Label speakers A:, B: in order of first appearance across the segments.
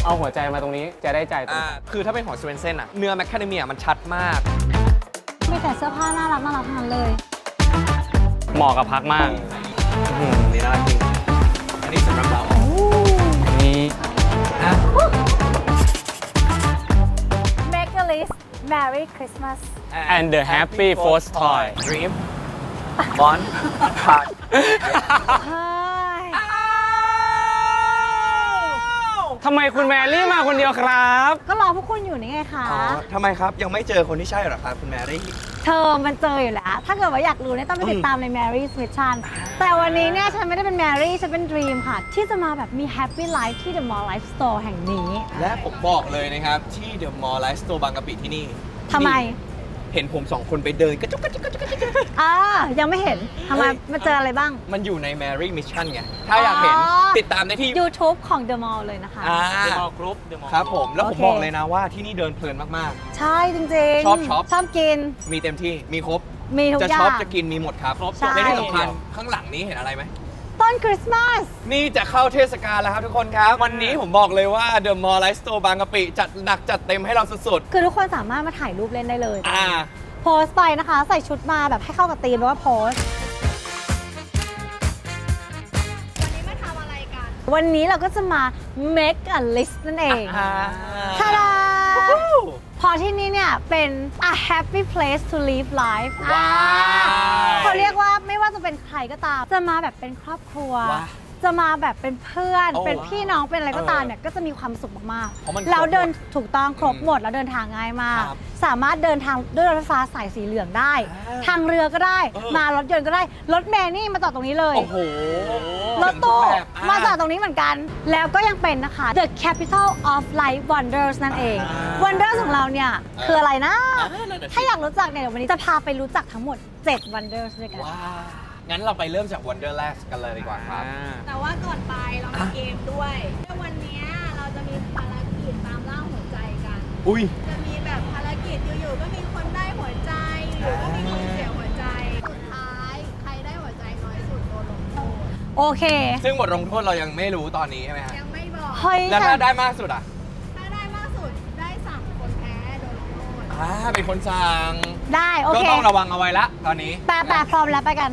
A: เอาหัวใจมาตรงนี้จะได้ใจตรงนี้
B: คือถ้าเป็นของสเวนเซนอะเนื้อแมคคาเดเมียมันชัดมาก
C: มีแต่เสื้อผ้าน่ารักทั้งนั้นเลย
A: เหมาะกับพักมาก
B: นี่น่ารักจริงอันนี้สำหรับเรา
A: อันนี้
B: อ่ะ
C: Make a list Merry Christmas
A: and the happy first toy
B: Dream Bond Card
C: เฮ้ย
A: ทำไมคุณแมรี่มาคนเดียวครับ
C: ก็รอพวกคุณอยู่นี่ไงคะ
B: อ๋อทำไมครับ ยังไม่เจอคนที่ใช่เหรอครับคุณแมรี่
C: เธอมันเจออยู่แล้ว ถ้าเกิดว่าอยากรู้เนี่ยต้องไปติดตามใน Mary's Mission แต่วันนี้เนี่ยฉันไม่ได้เป็น Mary ฉันเป็น Dream ค่ะ ที่จะมาแบบมี Happy Life ที่ The Mall Life Store แห่งนี้
B: และผมบอกเลยนะครับ ที่ The Mall Life Store บางกะปิที่นี่
C: ทำไม
B: เห็นผมสองคนไปเดินกระจุกกระจุกกระจุกกระจุก
C: ยังไม่เห็นทำไมมาเจออะไรบ้าง
B: มันอยู่ใน Mary Mission ไง ถ้าอยากเห็น
C: อ๋อ
B: ติดตามได้ที่
C: YouTube ของ The Mall เลยนะคะ
A: เดอะมอลล์กรุ๊ปเดอะมอลล์
B: ครับผม แล้วผม
C: โอเค
B: บอกเลยนะว่าที่นี่เดินเพลินมาก
C: ใช่จริงๆ
B: ชอบช็อป
C: ชอบกิน
B: ๆ มีเต็มที่ มีครบ
C: มีทุก
B: จะ
C: อย่า
B: ช็อป
C: ง
B: จะกินมีหมดครับ
A: ครบ
C: ใช่
B: และที่สำคัญข้างหลังนี้เห็นอะไรไหม
C: ต้นคริสต์มาส
B: นี่จะเข้าเทศกาลแล้วครับทุกคนครับ วันนี้ผมบอกเลยว่า The Mall Life Store บางกะปิจัดหนักจัดเต็มให้เราสุด
C: คือทุกคนสามารถมาถ่ายรูปเล่นได้เลย
B: ๆ
C: โพสต์ไปนะคะ ใส่ชุดมาแบบให้เข้ากับธีมแปลว่าโพสต์ วันนี้มาทำอะไรกัน วันนี้เราก็จะมา make a list นั่นเองทาดาพอที่นี่เนี่ยเป็น a happy place to live life
B: ว้าว
C: เขาเรียกว่าไม่ว่าจะเป็นใครก็ตาม จะมาแบบเป็นครอบครัว
B: ว้าว
C: จะมาแบบเป็นเพื่อน
B: โอ้
C: เป็นพี่น้อง เป็นอะไรก็ตามเนี่ย ก็จะมีความสุขมาก
B: เพราะมัน
C: ๆแล้วเดิน
B: ครบหมด
C: ถูกต้องครบหมดแล้วเดินทางง่ายมาก
B: ครับ
C: สามารถเดินทางด้วยรถไฟฟ้าสายสีเหลืองได้ ทางเรือก็ได้ มารถยนต์ก็ได้ รถเมล์นี่มาจอดตรงนี้เลย
B: โอ้โห
C: รถตู้
B: แบบ
C: มาจอดตรงนี้เหมือนกัน แล้วก็ยังเป็นนะคะ The Capital of Life Wonders นั่นเอง Wonders ของเราเนี่ยคืออะไรนะ
B: นั่นน่ะสิ
C: ถ้าอยากรู้จักเนี่ยเดี๋ยววันนี้จะพาไปรู้จักทั้งหมด 7 Wonders ด้วยกัน
B: ว้าว งั้นเราไปเริ่มจาก Wonderland กันเลยดีกว่าครับ
D: แต่ว่าก่อนไปเรามีเกมด้วยวันนี้เราจะมีภารกิจตามล่าหัวใจกัน
B: อุ้ย
D: จะมีแบบภารกิจอยู่ๆก็มีคนได้หัวใจหรือว่ามีคนเสียหัวใจ สุดท้ายใครได้หัวใจน้อยสุดโดนลงโทษ
C: โอเค
B: ซึ่งบทลงโทษเรายังไม่รู้ตอนนี้ใช่ไหมฮะ
D: ยังไม่บอก
C: เฮ้ย
B: แล้วถ้าได้มากสุดอ่ะ
D: ถ้าได้มากสุดได้สั่งคนแพ้โดนลงโทษ
B: เป็นคนสั่ง
C: ได้โอ
B: ก็
C: เค
B: ต้องระวังเอาไว้ละตอนนี้
C: แปะพร้อมแล้วไปกัน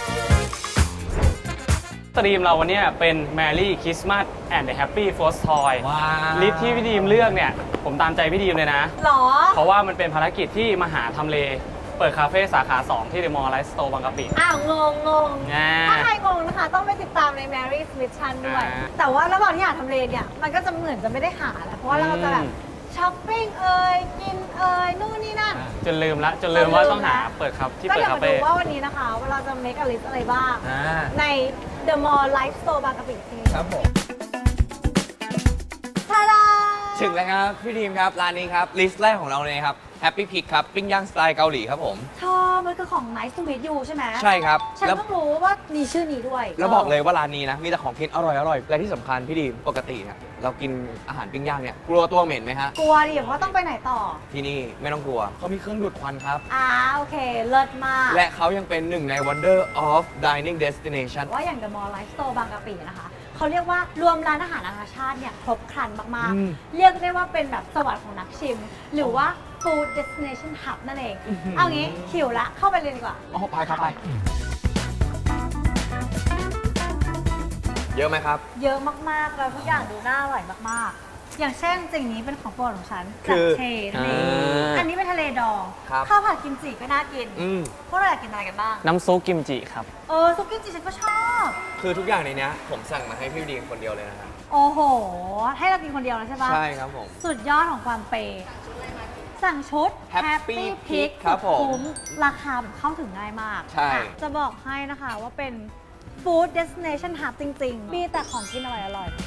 A: สตรีมเราวันนี้เป็น Merry Christmas and the Happy First Toy
B: ว้าว
A: ลิสต์ที่พี่ดีมเลือกเนี่ย ผมตามใจพี่ดีมเลยนะ
C: หรอ
A: เพราะว่ามันเป็นภารกิจที่มาหาทำเล เปิดคาเฟ่สาขา 2 ที่ The Mall Life Store บางกะปิ
C: งง
A: อ่า
C: ถ้าใครงงนะคะ ต้องไปติดตามใน Mary's Mission ด้วย
A: อ่า
C: แต่ว่าระหว่างที่หาทำเลเนี่ย มันก็จะเหมือนจะไม่ได้หาแหละเพราะว่าเราจะแบบช้อปปิ้งกินนู่นนี่นั่น
A: จนลืมว่าต้องหาเปิดครับที่
C: ก็
A: เปิด
C: เดี๋ยว
A: คา
C: มา
A: เฟ่
C: ดูว่าวันนี้นะคะว่าเราจะ make a list อะไรบ้าง
B: อ่า
C: ใน The Mall Life Store บางกะปิที่
B: ครับผม
C: ทาดา
B: ถึงแล้วครับ พี่ทีมครับ ร้านนี้ครับ ลิสต์แรกของเราเลยครับ Happy Pig ครับ ปิ้งย่างสไตล์เกาหลีครับผม
C: ชอบ มันคือของ Nice to meet you ใช่ไหม
B: ใช่ครับ
C: ฉัน
B: แล้ว
C: เพิ่งรู้ว่ามีชื่อนี้ด้วย
B: แล้วบอกเลยว่าร้านนี้นะ มีแต่ของกินอร่อยๆและที่สำคัญพี่ดีมปกติเนี่ยเรากินอาหารปิ้งย่างเนี่ยกลัวตัวเหม็นไหมฮะ
C: กลัวดิเพราะต้องไปไหนต่อ
B: ที่นี่ไม่ต้องกลัวเขามีเครื่องดูดควันครับ
C: โอเค เลิศมาก
B: และเขายังเป็นหนึ่งใน Wonder of Dining Destination
C: ว่าอย่าง The Mall Life Store บางกะปินะคะเขาเรียกว่ารวมร้านอาหารนานาชาติเนี่ยครบครันมาก
B: อืม
C: ๆ เรียกได้ว่าเป็นแบบสวรรค์ของนักชิม หรือว่า Food Destination Hub นั่นเอง เอางี้หิวละเข้าไปเลยดีกว่า
B: อ๋อไปครับไป เยอะไหมครับ
C: เยอะมาก ๆ แล้วทุกอย่างดูน่าอร่อยมาก ๆ อย่างเช่นสิ่งนี้เป็นของโปรดของฉัน
B: คื
C: จาก
B: อ
C: เชนั่นเอง
A: อ่า
C: อันนี้เป็นทะเลดอง
B: ครับ
C: ข้าวผัดกิมจิก็น่ากิน
B: อืม
C: พวกเราอยากกินอะไรกันบ้าง
A: น้ำซุปกิมจิครับ
C: ซุปกิมจิฉันก็ชอบ
B: คือทุกอย่างในเนี้ยผมสั่งมาให้พี่ดีมคนเดียวเลยนะครับ
C: โอ้โห ให้เรากินคนเดียวเลยใช่ปะ
B: ใช่ครับผม
C: สุดยอดของความเปย์สั่งชุด
B: Happy
C: Pig
B: Pig ครับผม
C: คุ้มราคาแบบเข้าถึงง่ายมาก
B: ใช่
C: อ่ะจะบอกให้นะคะว่าเป็น Food Destination Hub จริง ๆ มีแต่ของกินอร่อย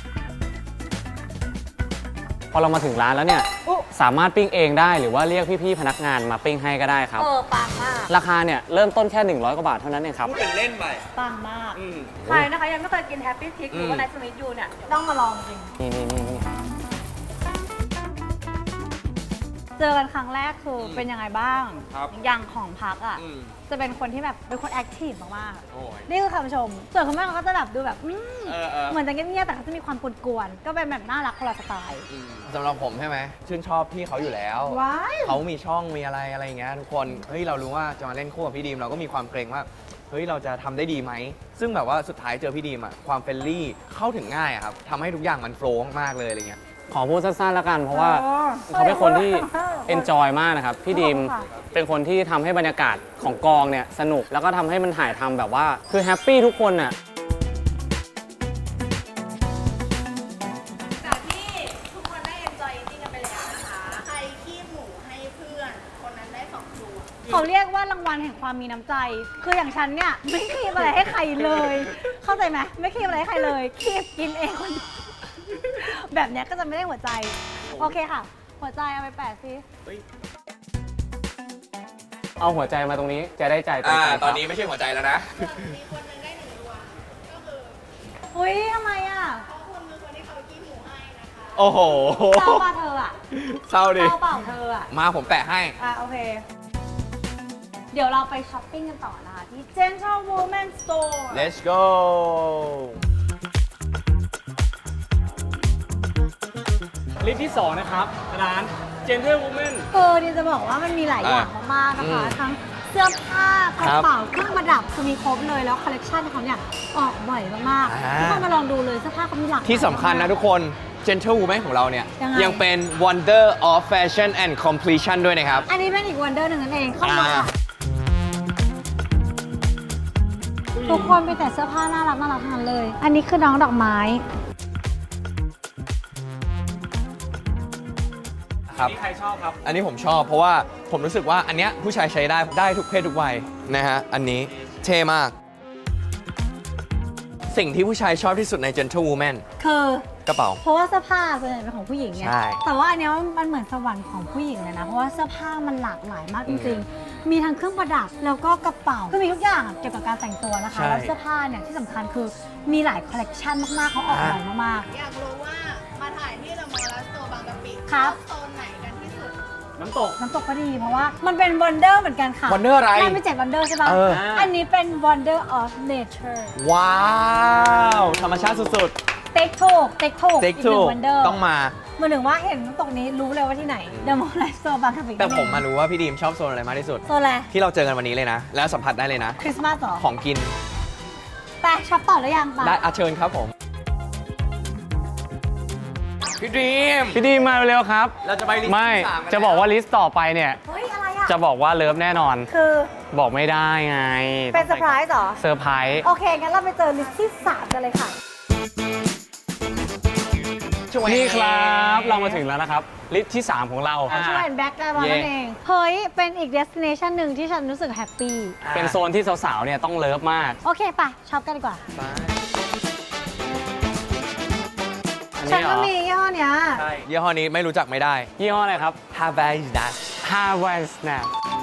A: พอเรามาถึงร้านแล้วเนี่ย
C: อุ๊
A: สามารถปิ้งเองได้หรือว่าเรียกพี่ๆพนักงานมาปิ้งให้ก็ได้ครับ
C: ปังมาก
A: ราคาเนี่ยเริ่มต้นแค่ 100 กว่าบาทเท่านั้นเองครับ
B: พูดเป็นเล่นไป
C: ปังมาก
B: อืม
C: ใครนะคะยังไม่เคยกิน Happy Pig หรือว่า Nice to meet you เนี่ยต้องมาลองจริง
A: นี่
C: เจอกันครั้งแรกคือเป็นยังไงบ้าง
B: ครับ
C: อย่างของพักอ่ะ
B: อืม
C: จะเป็นคนที่แบบเป็นคนแอคทีฟมาก
B: โอ้ย
C: ๆนี่คือคำชม ส่วนคุณแม่เขาก็จะแบบดูแบบ
B: เออ
C: เหมือนจะเงียบๆแต่เขาจะมีความกวนๆก็เป็นแบบน่ารักคนละสไตล์
B: สำหรับผมใช่ไหมชื่นชอบพี่เขาอยู่แล้ว
C: ว้าย
B: เขามีช่องมีอะไรอย่างเงี้ยทุกคนเฮ้ยเรารู้ว่าจะมาเล่นคู่กับพี่ดีมเราก็มีความเกรงว่าเฮ้ยเราจะทำได้ดีไหมซึ่งแบบว่าสุดท้ายเจอพี่ดีมอะความเฟรนลี่เข้าถึงง่ายอะครับทำให้ทุกอย่างมันโฟล์มากๆเลยอะไรเงี้ย
A: ขอพูดสั้นๆแล้วกัน เพราะว่าเขาเป็นคนที่ enjoy มากนะครับ พี่ดีมเป็นคนที่ทำให้บรรยากาศของกองเนี่ยสนุกแล้วก็ทำให้มันถ่ายทำแบบว่าคือแฮปปี้ทุกคนน่ะ
D: จากที่ทุกคนได้ enjoy eating กันไปแล้วนะคะ ใครขี้หมูให้เพื่อน คนนั้นได้2 ตัว
C: เขาเรียกว่ารางวัลแห่งความมีน้ำใจ คืออย่างฉันเนี่ยไม่คีบอะไรให้ใครเลย เข้าใจไหมไม่คีบอะไรให้ใครเลยคีบกินเองคนเดียวแบบเนี้ยก็จะไม่ได้หัวใจ โอเคค่ะ หัวใจเอาไปแปะสิ
A: เอาหัวใจมาตรงนี้จะได้ใจตรงกัน
B: ตอนนี้ไม่ใช่หัวใจแล้วนะ
D: ส่วนมีคนหนึงได้1 ดวง ก็คือ
C: อุ้ยทำไมอ่ะ
D: เพราะคุณคือคนที่เขาขี้หมูให้นะคะ
B: โอ้โห
C: เศร้าป่ะเธออ่ะ
B: เศร้าดิ
C: เศร้าเปล่าเธออ่ะ
B: มาผมแปะให้
C: โอเค เดี๋ยวเราไปช้อปปิ้งกันต่อนะคะที่ Gentle Woman Store
B: Let's go
A: ลิสต์ที่ 2 นะครับ ร้าน Gentle Woman
C: นี่จะบอกว่ามันมีหลายอย่างมากๆนะคะ ทั้งเสื้อผ้ากระเป๋าเครื่องประดับคือมีครบเลยแล้วคอลเลกชันเขาเนี่ยออกบ่อยมากๆทุกคนมาลองดูเลยเสื้อผ้าเขามีหลากหลาย
B: ที่สำคัญนะทุกคน Gentle Woman ของเราเนี่ย
C: ยังไง
B: ยังเป็น Wonder of Fashion and Completion ด้วยนะครับ
C: อันนี้เป็นอีกวันเดอร์หนึ่งนั่นเองเข้ามาค่ะทุกคนมีแต่เสื้อผ้าน่ารักน่ารักทั้งนั้นเลย อันนี้คือน้องดอกไม้
B: ครับ
A: นี่ใครชอบครับ
B: อันนี้ผมชอบเพราะว่าผมรู้สึกว่าอันเนี้ยผู้ชายใช้ได้ทุกเพศทุกวัยนะฮะ อันนี้เท่มาก สิ่งที่ผู้ชายชอบที่สุดใน Gentle Woman
C: คือก
B: ระเป๋า
C: เพราะว่าเสื้อผ้าส่วนใหญ่เป็นของผู้หญิงไง
B: ใช่
C: แต่ว่าอันเนี้ยมันเหมือนสวรรค์ของผู้หญิงเลยนะ เพราะว่าเสื้อผ้ามันหลากหลายมากจริงๆ มีทั้งเครื่องประดับแล้วก็กระเป๋าคือมีทุกอย่างเกี่ยวกับการแต่งตัวนะคะ แล้วเสื้อผ้าเนี่ยที่สำคัญคือมีหลายคอลเลกชันมากๆเขาออกบ่อยมาก
D: อยากรู้ว่ามาถ่ายที่เดอะมอลล์สโตร์บางกะปิ
C: ครับ
D: โซนไหนกันที่สุด
A: น้ำตก
C: ๆ น้ำตกก็ดีเพราะว่ามันเป็นวันเดอร์เหมือนกันค่ะ
B: Wonder อะไร
C: มันเป็น7 Wonder ใช่ปะ
B: เออ
C: อันนี้เป็น Wonder of Nature
B: ว้าว ธรรมชาติสุด
C: เต็กถูก
B: ๆ
C: อี
B: Take
C: กหนึ่
B: two
C: ง Wonder
B: ต้องมา
C: เหมือนถึงว่าเห็นน้ำตกนี้รู้เลยว่าที่ไหน The Mall Life Store บางกะปิ
B: แต่ผมมารู้ว่าพี่ดีมชอบโซนอะไรมากที่สุด
C: โซนอะไร
B: ที่เราเจอกันวันนี้เลยนะ แล้วสัมผัสได้เลยนะ
C: คริสต์มาสเหรอ
B: ของกิน
C: ไปช็อปต่อหรือยังปะ
B: ได้อาเชิญครับผม พี่ดีม
A: พี่ดีมาเร็วๆครับ
B: เราจะไปลิสต์
A: ไม่
B: ที่สามกัน
A: จะบอกว่าลิสต์ต่อไปเนี่ย
C: เฮ้ย อะไรอ่ะ
A: จะบอกว่าเลิฟแน่นอน
C: คือ
A: บอกไม่ได้ไง
C: เป็นเซอร์ไพรส์เหรอ
A: เซอร์ไพรส์
C: โอเค งั้นเราไปเจอลิสต์ที่ 3 กันเลยค่ะ
A: นี่ครับ เรามาถึงแล้วนะครับ ลิสต์ที่ 3 ของเรา
C: ช่วยแบ็กได้บ้างนั่นเอง เฮ้ย เป็นอีกเดสติเนชันหนึ่งที่ฉันรู้สึกแฮปปี้
A: เป็นโซนที่สาวๆเนี่ยต้องเลิฟมาก
C: โอเคป่ะช็อปกันดีกว่า
A: อัน
C: ฉั
A: นี้
C: น
A: เหร
C: ก็
A: อ
C: มียี่ห้อเนี้ย
A: ใช่
B: ยี่ห้อนี้ไม่รู้จักไม่ได้
A: ยี่ห้ออะไรครับ
B: Havaianas
A: Hawaii Snap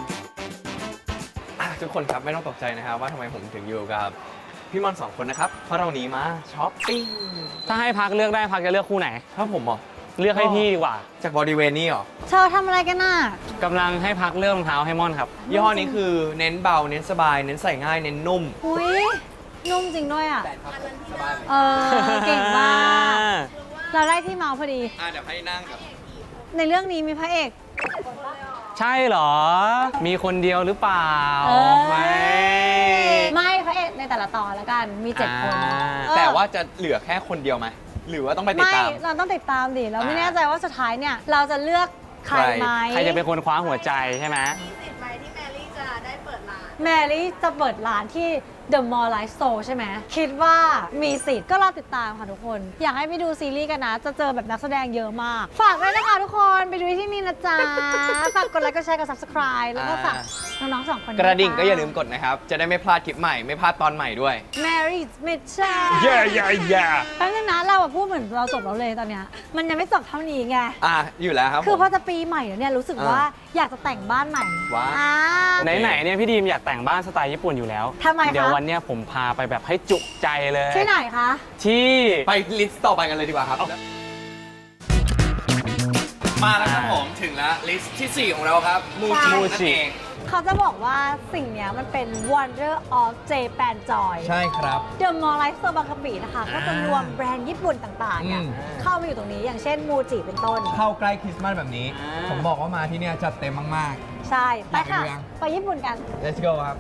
B: ทุกคนครับไม่ต้องตกใจนะครับว่าทำไมผมถึงอยู่กับพี่มอน2 คนนะครับ เพราะเราหนีมาช้อปปิ้ง
A: ถ้าให้พักเลือกได้พักจะเลือกคู่ไหน
B: ถ้าผมเหรอ
A: เลือกให้พี่ดีกว่า
B: จากบริเวณนี้เหรอ
C: เธอทำอะไรกันน่ะ
A: กำลังให้พักเลือกรองเท้าให้ม่อนครับ
B: ยี่ห้อนี้คือเน้นเบา เน้นสบาย เน้นใส่ง่าย เน้นนุ่ม
C: อุ้ยนุ่มจริงด้วยอ่ะ
B: สบาย
C: เออ เก่งมาก เราได้ที่เมาส์พอดี
B: เดี๋ยวให้นั่งกับ
C: ในเรื่องนี้มีพระเอก
A: ใช่เหรอ มีคนเดียวหรือเปล่า
C: เอ้ย
A: ไม่
C: ไม่พระเอกในแต่ละตอนแล้วกัน มี 7 คน
A: อ่า
C: เออ
B: แต่ว่าจะเหลือแค่คนเดียวไหม หรือว่าต้องไปติด
C: ไม่
B: ตาม
C: เราต้องติดตามดิ เราไม่
B: อ่า
C: แน่ใจว่าสุดท้ายเนี่ย เราจะเลือกใครไหม
A: ใครจะเป็นคนคว้าหัวใจใช่ไหม
D: มีสิทธิ์ไหมที่แมรี่จะได้เปิดร้าน
C: แมรี่จะเปิดร้านที่ The Mall Life Store ใช่ไหม คิดว่ามีสิทธิ์ก็รอติดตามค่ะทุกคน อยากให้ไปดูซีรีส์กันนะ จะเจอแบบนักแสดงเยอะมาก ฝากด้วยนะคะทุกคน ไปดูที่นี่นะจ๊ะ ฝากกดไลค์กดแชร์กด subscribe แล้วก็ฝากน้องๆ 2 คน
B: กระดิ่ง
C: ด้วย
B: ก็อย่าลืมกดนะครับ จะได้ไม่พลาดคลิปใหม่ ไม่พลาดตอนใหม่ด้วย
C: Mary's Mission
A: เย่เย่เย่
C: แป๊บนึงนะเราอะพูดเหมือนเราจบแล้วเลยตอนเนี้ยมันยังไม่จบเท่านี้ไง
B: อยู่แล้วครับ
C: คือ
B: ผม
C: พอจะปีใหม่แล้วเนี่ยรู้สึกว่าอยากจะแต่งบ้านใหม่
B: ว้าว
C: อ่า
A: ไหนๆเนี่ยพี่ดีมอยากแต่งบ้านสไตล์ญี่ปุ่นอยู่แล้ว
C: ทำไมคะ
A: เดี๋ยววันเนี้ยผมพาไปแบบให้จุใจเลย
C: ที่ไหนคะ
A: ที่
B: ไปลิสต์ต่อไปกันเลยดีกว่าครับมาแล้วครับผมถึงแล้วลิสต์ที่ 4 ของเราครับมูจินั่นเอง
C: เขาจะบอกว่าสิ่งเนี้ยมันเป็น Wonder of Japan Joy
B: ใช่ครับ
C: The Mall Life Store บางกะปินะคะ ก็จะรวมแบรนด์ญี่ปุ่นต่างๆเนี่ย
B: อืม
C: เข้ามาอยู่ตรงนี้อย่างเช่นมูจิเป็นต้น
B: เข้าใกล้คริสต์มาสแบบนี้ ผมบอกว่ามาที่เนี่ยจัดเต็มมาก
C: ใช่ ไปค่ะ
B: อยากไปดูยัง
C: ไปญี่ปุ่นกัน
B: ๆ let's go ครับ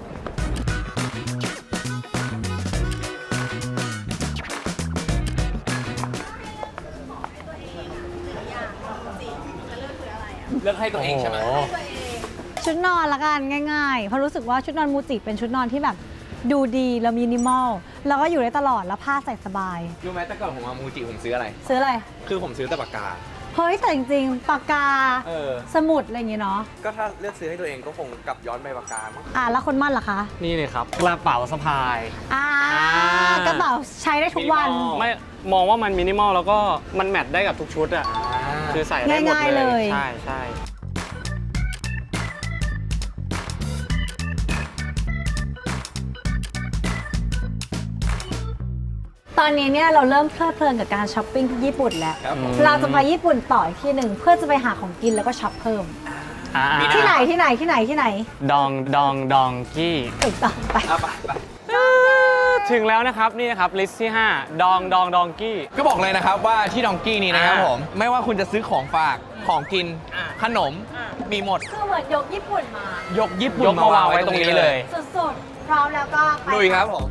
B: เลือกให้ตัวเองใช่ไหม
C: ชุดนอนละกันง่ายๆ เพราะรู้สึกว่าชุดนอนมูจิเป็นชุดนอนที่แบบดูดีแล้วมินิมอล แล้วก็อยู่ได้ตลอดแล้วผ้าใส่สบาย
B: รู้ไหมแต่ก่อนผมมามูจิผมซื้ออะไร
C: ซื้ออะไร
B: คือผมซื้อแต่ปากกา
C: เฮ้ยแต่จริงๆปากกา
B: เออ
C: สมุดอะไรอย่างเงี้ยเนาะ
B: ก็ถ้าเลือกซื้อให้ตัวเองก็คงกลับย้อนไปปากกามั้ง
C: แล้วคนมั่นล่ะคะ
A: นี่เลยครับกระเป๋าสะพาย
C: กระเป๋าใช้ได้ทุกวัน
B: Minimal
A: ไม่มองว่ามันมินิมอลแล้วก็มันแมทได้กับทุกชุดอ่ะ คือใส่ได้หมด
C: ง่ายๆ
A: เล
C: เลย
A: ใช่ใช่
C: ตอนนี้เนี่ยเราเริ่มเพลิดเพลินกับการช้อปปิ้งที่ญี่ปุ่นแล้ว
B: ครับผม
C: เราจะไปญี่ปุ่นต่ออีกที่หนึ่งเพื่อจะไปหาของกินแล้วก็ช็อปเพิ่ม
A: อ่า
C: ที่ไหนที่ไหนที่ไหนที่ไหน
A: ดองกี้
C: ถูกต้องไป
B: เอาไป
A: ถึงแล้วนะครับนี่นะครับลิสต์ที่ 5 ดองกี้
B: ก็บอกเลยนะครับว่าที่ดองกี้นี้นะครับผม ไม่ว่าคุณจะซื้อของฝาก ของกิน ขนม มีหมด
C: คือเหมือนยกญี่ปุ่นมาย
B: กญี่ปุ่น
A: ยกมาวางไว้ตรงนี้เลย
C: สุดๆ พร้อมแล้วก็ไป
B: ลุยครับผม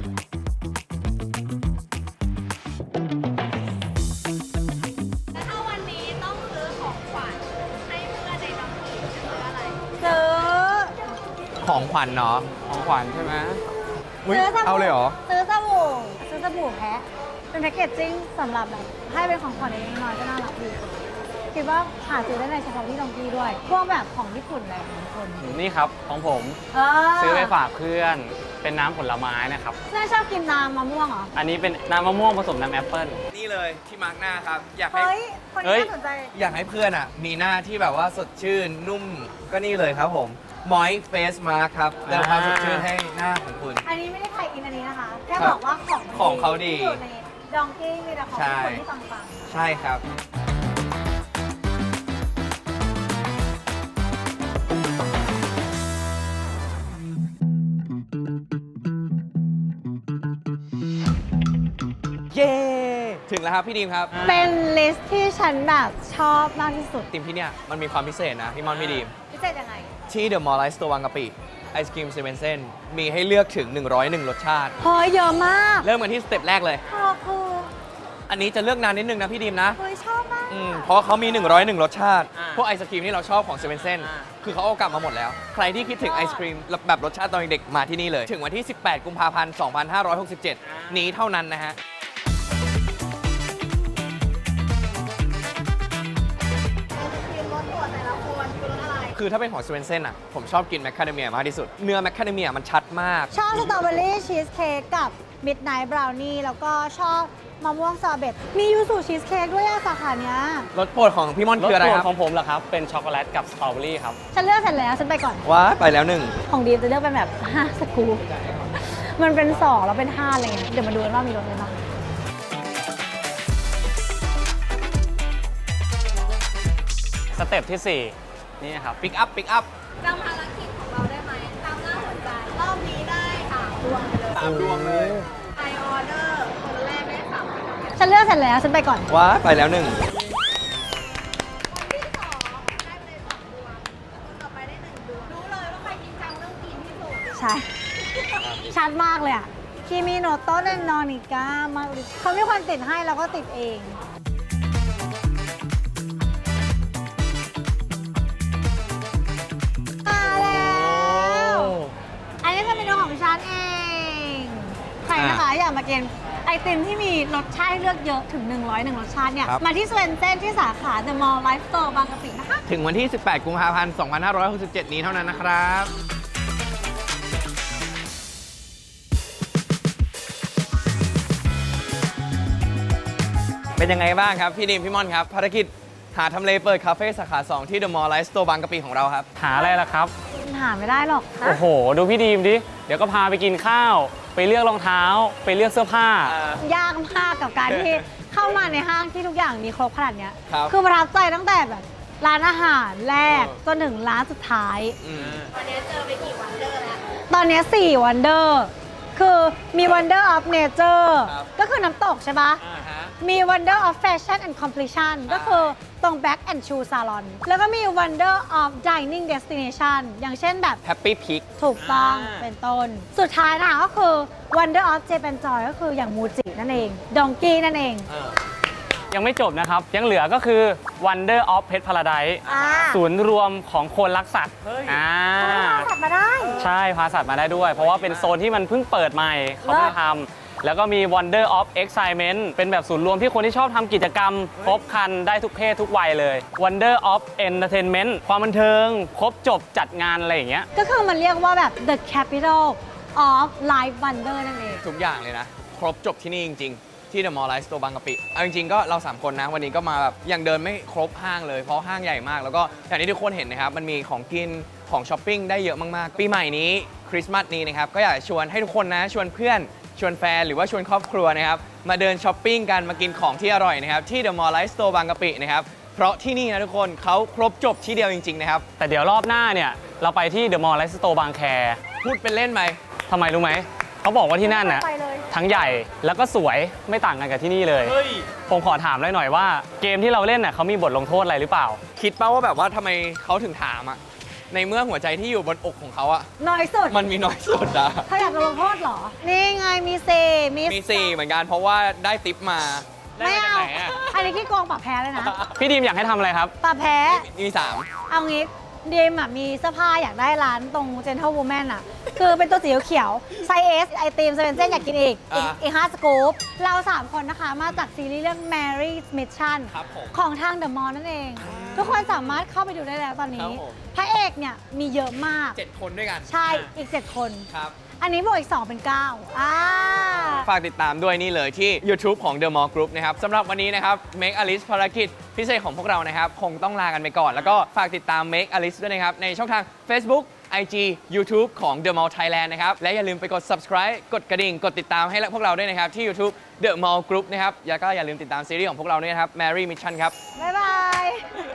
D: แล้วถ้าวันนี้ต้องซื้อของขวัญให้เพื่อนในน้องผีจะซื้ออะไร
C: ซื้อ
B: ของขวัญเนาะ
A: ของขวัญใช่ไหม
B: อุ๊ย
C: ซื้อสบู่
B: เอาเลยเหรอ
C: ซื้อสบู่แพะเป็นแพ็กเกจจิ้งสำหรับแบบให้เป็นของขวัญเล็กๆน้อยๆก็น่ารักดีคิดว่าหาซื้อได้ในเฉพาะที่ดองกี้ด้วย พวกแบบของญี่ปุ่นอะไรของคน
A: นี่ครับของผม ซื้อไปฝากเพื่อนเป็นน้ำผลไม้นะครับ
C: เพื่อนชอบกินน้ำมะม่วงเหรอ
A: อันนี้เป็นน้ำมะม่วงผสมน้ำแอปเปิ้ล
B: นี่เลยที่มาร์กหน้าครับ อยากให้
C: เฮ้ย คน
A: เฮ้
C: นี้
A: ย
C: น่าสนใจ
B: อยากให้เพื่อนอ่ะ มีหน้าที่แบบว่าสดชื่นนุ่ม ก็นี่เลยครับผม Moist Face Mask ครับเติมความสดชื่นให้หน้าของคุณ
C: อันนี้ไม่ได้ใครอินอันนี้นะคะ แค่
B: ครับ
C: บอกว่าของ
B: ของเขาดี
C: ที่อยู่ในดองกี้มีแต่ของ
B: ใช่
C: คนที่ปัง
B: ใช่ครับ เย้ ถึงแล้วครับพี่ดีมครับ
C: ๆเป็นลิสต์ที่ฉันแบบชอบมากที่สุด
B: ทีมที่เนี่ยมันมีความพิเศษนะพี่มอนพี่ดีม
C: พิเศษยังไง
B: ที่ The Mall Life Store บางกะปิไอศครีมเซเว่นเส้นมีให้เลือกถึง 101 รสชาติ
C: เฮ้ยเยอะมาก
B: เริ่มกันที่สเต็ปแรกเลย
C: ขอบคุณ
B: อันนี้จะเลือกนานนิดนึงนะพี่ดีมนะ
C: เฮ้ยชอบมาก
B: เพราะเขามี 101 รสชาติ
A: อ่า
B: พวกไอศครีมที่เราชอบของเซเว่นเส้น
A: อ่า
B: คือเขาเอากลับมาหมดแล้ว ใครที่คิดถึงไอศครีมแบบรสชาติตอนเด็กๆมาที่นี่เลย ถึงวันที่ 18 กุมภาพันธ์ 2567 นี้เท่านั้นนะฮะ
D: ทีมรถตรวจแต่ละคนคือรถอะไร
B: คือถ้าเป็นของเซเว่นเส้นอ่ะ ผมชอบกินแมคคาเดเมียมากที่สุด เนื้อแมคคาเดเมียมันชัดมาก
C: ชอบสตรอเบอรี่ชีสเค้กกับมิดไนท์บราวนี่แล้วก็ชอบมะม่วงซอร์เบตมียูสุชีสเค้กด้วยอะสาขาเนี้ย
B: รสโปรดของพี่ม่อน
A: รส
B: คืออะไร
A: โปร
B: ค
A: ด
B: รับ
A: ของผมเหรอครับ เป็นช็อกโกแลตกับสตรอเบอรี่ครับ
C: ฉันเลือกเสร็จแล้วฉันไปก่อน
B: ว้าไปแล้วหนึ่ง
C: ของดีมจะเลือกเป็นแบบ5สกู๊ปมันเป็น2แล้วเป็น5อะไรเงี้ยเดี๋ยวมาดูกันว่ามีรสอะไรบ้าง
A: สเต็ปที่ 4 นี่ครับ
B: ปิกอัพปิกอัพ
D: จำภารกิจของเราได้ไหมตามหน้าหัวใจ รอบนี้ได้3ดวงไปเลย
B: 3 ดวงเลย
D: ไอออเดอร์คนแรกได้3ดวง
C: ฉันเลือกเสร็จแล้วฉันไปก่อน
B: ว้าไปแล้วหนึ่ง
D: คนที่2ได้ไปเลย2ดวงคนต่อไปได้1ดวงรู้เลยว่าใครจริงจังเรื่องกินที่สุด
C: ใช่ ชัดมากเลยอะคิมิโนโตะเนนอนิก้ามากเลยเขามีคนติดให้แล้วก็ติดเองมาแล้ว อันนี้จะเป็นตัวของฉันเอง ใครนะคะอยากมากินไอติมที่มีรสชาติให้เลือกเยอะถึง 101 รสชาติเนี่ย
B: ครับ
C: มาที่สเวนเซนที่สาขา The Mall Life Store บางกะปินะคะ
B: ถึงวันที่ 18 กุมภาพันธ์ 2567 นี้เท่านั้นนะครับ เป็นยังไงบ้างครับ พี่ดิมพี่ม่อนครับ ภารกิจหาทำเลเปิดคาเฟ่สาขา 2 ที่ The Mall Life Store บางกะปิของเราครับ
A: หาอะไรล่ะครับ
C: หาไม่ได้หรอกนะ
A: โอ้โห ดูพี่ดีมดิ เดี๋ยวก็พาไปกินข้าว ไปเลือกรองเท้า ไปเลือกเสื้อผ้า
C: ยากมากกับการที่เข้ามาในห้างที่ทุกอย่างมีครบขนาดเนี้ย
B: ครับ
C: คือประทับใจตั้งแต่แบบร้านอาหารแรกจนถึงร้านสุดท้าย
D: วันนี้เจอไปกี่วันเดอร์แล้ว
C: ตอนนี้4 Wonder คือมี Wonder of Nature
B: ครับ
C: ก็คือน้ำตกใช่ปะมี Wonder of Fashion and Completion ก็คือตรง Back and Shoe Salon แล้วก็มี Wonder of Dining Destination อย่างเช่นแบบ
B: Happy Peak
C: ถูกต้องเป็นต้น สุดท้ายนะคะก็คือ Wonder of Japan Joy ก็คืออย่างมูจินั่นเอง ดองกี้นั่นเอง
A: ยังไม่จบนะครับ ยังเหลือก็คือ Wonder of Pet Paradise
C: อ่า
A: ศูนย์รวมของคนรักสัตว์
B: เฮ้ย
C: ตัดมาได้
A: ใช่พาสัตว์มาได้ด้วย เพราะว่าเป็นโซนที่มันเพิ่งเปิดใหม่เขาเพิ่งทำแล้วก็มี Wonder of Excitement เป็นแบบศูนย์รวมที่คนที่ชอบทำกิจกรรม ครบครันได้ทุกเพศทุกวัยเลย Wonder of Entertainment ความบันเทิง ครบจบจัดงานอะไรอย่างเงี้ย
C: ก็คือมันเรียกว่าแบบ the capital of life wonder นั่นเอง
B: ทุกอย่างเลยนะ ครบจบที่นี่จริง ๆ ที่ The Mall Life Store บางกะปิเอาจริงๆก็เรา 3 คนนะ วันนี้ก็มาแบบยังเดินไม่ครบห้างเลยเพราะห้างใหญ่มาก แล้วก็อย่างที่ทุกคนเห็นนะครับ มันมีของกินของช้อปปิ้งได้เยอะมากๆ ปีใหม่นี้คริสต์มาสนี้นะครับ ก็อยากชวนให้ทุกคนนะ ชวนเพื่อนชวนแฟนหรือว่าชวนครอบครัวนะครับ มาเดินช้อปปิ้งกันมากินของที่อร่อยนะครับที่ The Mall Life Store บางกะปินะครับเพราะที่นี่นะทุกคนเขาครบจบที่เดียวจริงๆนะครับ
A: แต่เดี๋ยวรอบหน้าเนี่ยเราไปที่ The Mall Life Store บางแค
B: พูดเป็นเล่นไหม
A: ทำไมรู้ไหม เขาบอกว่าที่นั่นน่ะ
C: ไปเลย
A: ทั้งใหญ่แล้วก็สวยไม่ต่างกันกับที่นี่เลย
B: เฮ้ย
A: ผมขอถามเลยหน่อยว่าเกมที่เราเล่นน่ะเขามีบทลงโทษอะไรหรือเปล่า
B: คิดป่าว่าแบบว่าทำไมเขาถึงถามอะในเมื่อหัวใจที่อยู่บนอกของเขาอะ
C: น้อยสุด
B: มันมีน้อยสุดอะ
C: เขาอยากโดนลงโทษเหรอ นี่ไงมีเซ
B: มี4เหมือนกันเพราะว่าได้ติปมา
C: ไม่เอา
B: ด้จกหนอะ
C: อันนี้ขี้โกงปรับแพ้เลยนะ
A: พี่ดีมอยากให้ทำอะไรครับ
C: ปรับแพ้
B: มี3
C: เอางี้ดีมอะมีเสื้อผ้าอยากได้ร้านตรง Gentle Woman อะคือเป็นตัวสีเขียวไซส์ S ไอติมเซเว่นเจนอยากกินอีก5สกู๊ปเรา 3 คนนะคะ มาจากซีรีส์เรื่อง Mary's Mission
B: ครับผม
C: ของทาง The Mall นั่นเอง ทุกคนสามารถเข้าไปดูได้แล้วตอน
B: ครั
C: นี้
B: บผม
C: พระเอกเนี่ยมีเยอะมาก
B: 7 คนด้วยกัน
C: ใช่อีก 7 คน
B: ครับ
C: อันนี้บวกอีก 2 เป็น 9
B: ฝากติดตามด้วยนี่เลยที่ YouTube ของ The Mall Group นะครับสำหรับวันนี้นะครับ Make a List ภารกิจพิเศษของพวกเรานะครับ คงต้องลากันไปก่อน แล้วก็ฝากติดตาม Make a List ด้วยนะครับ ในช่องทาง Facebook IG YouTube ของ The Mall Thailand นะครับ และอย่าลืมไปกด subscribe กดกระดิ่ง กดติดตามให้พวกเราด้วยนะครับ ที่ YouTube The Mall Group นะครับแล้วก็อย่าลืมติดตามซีรีส์ของพวกเราด้วยนะครับ Mary Mission ครับ
C: บ๊ายบาย